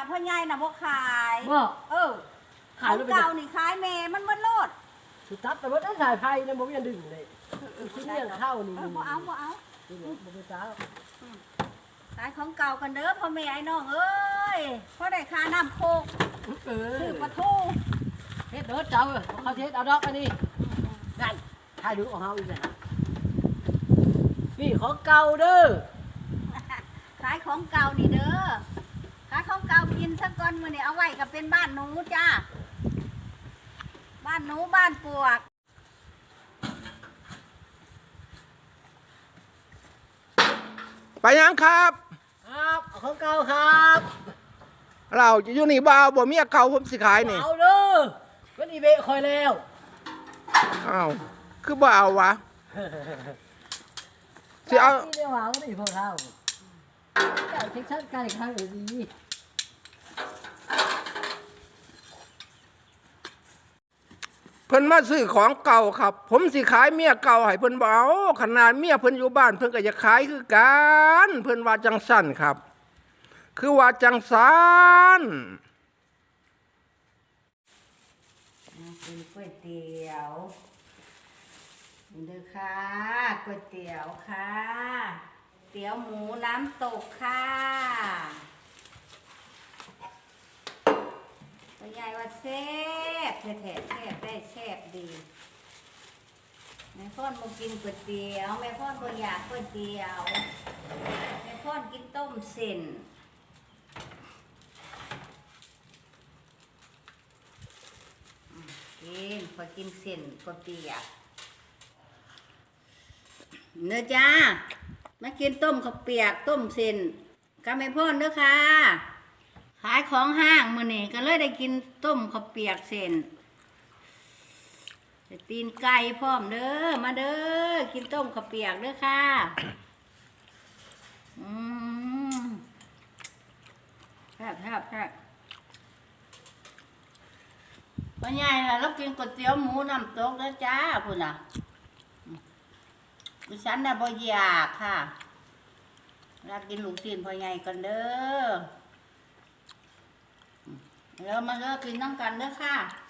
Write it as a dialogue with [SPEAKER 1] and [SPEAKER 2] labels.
[SPEAKER 1] พ่อใหญ่น่ะบ่ขาย
[SPEAKER 2] บ่
[SPEAKER 1] ขายเก่านี่ขายแม่มันบ่โลด
[SPEAKER 2] สุดทับแต่ว่าต้องสายไฟนะผมยังดึงเลยชิ้นเลี้ยงเข้านี่
[SPEAKER 1] บ่เอา
[SPEAKER 2] บ่ไปจ้า
[SPEAKER 1] ขายของเก่ากันเด้อพ่อแม่ไอ้น้องเอ้ยพอได้ค่าน้ำโคกซื้อปลาทู
[SPEAKER 2] เฮ็ดเด้อเจ้าเขาเฮ็ดเอาดอกอันนี้นั่นถ่ายดูของเฮาอีกแล้วนี่ของเก่าเด้อ
[SPEAKER 1] ขายของเก่านี่เด้อขายของเก่ากินสักก้อนมื้อนี้เอาไว้ก็เป็นบ้านหนูจ้าบ้านหนูบ้านปวก
[SPEAKER 3] ไปยังครับ
[SPEAKER 2] ครับของเก่าครับ
[SPEAKER 3] เราจะอยู่นี่บ่าวบ่เมียเก่าผมสิขายนี่
[SPEAKER 2] เอาเด้อมันอีเบะคอยแล้ว
[SPEAKER 3] อ้าวคือบ่เอาวะสิเอา
[SPEAKER 2] ที่เรียกว่าไม่พอเท่าเจ้าเช็คชัดการอีกครั้งหรือดี
[SPEAKER 3] เพิ่นมาซื้อของเก่าครับ ผมสิขายเมียเก่าให้เพิ่นบ่เอาขนาดเมียเพิ่นอยู่บ้านเพิ่นก็จะขายคือกันเพิ่นว่าจังสั่นครับ คือว่าจังสั่น
[SPEAKER 1] เป็นก๋วยเตี๋ยวนี่เด้อค่ะก๋วยเตี๋ยวค่ะเตี๋ยวหมูน้ำตกค่ะตัวยายว่าแซ่บแท้ๆแซ่บได้แซ่บดีแม่พ่อนมากินก๋วยเตี๋ยวแม่พ่อนก็อยากก๋วยเตี๋ยวแม่พ่อนกินต้มเส้นกินพอกินเส้นก๋วยเตี๋ยวเนื้อจ้ามากินต้มข้าวเปียกต้มเส้นกับแม่พ่อนเด้อค่ะขายของห้างมื้อนี้ก็เลยได้กินต้มข้าวเปียกเส้นตีนไก่พร้อมเด้อมาเด้อกินต้มข้าวเปียกเด้อค่ะแซ่บแซ่บแซ่บพ่อใหญ่ล่ะเรากินก๋วยเตี๋ยวหมูน้ำตกแล้วจ้าพุ่นน่ะดิฉันน่ะบ่อยากค่ะรักกินลูกชิ้นพ่อใหญ่กันเด้อแล้วมาเลิกกินน้ำกันเด้อค่ะ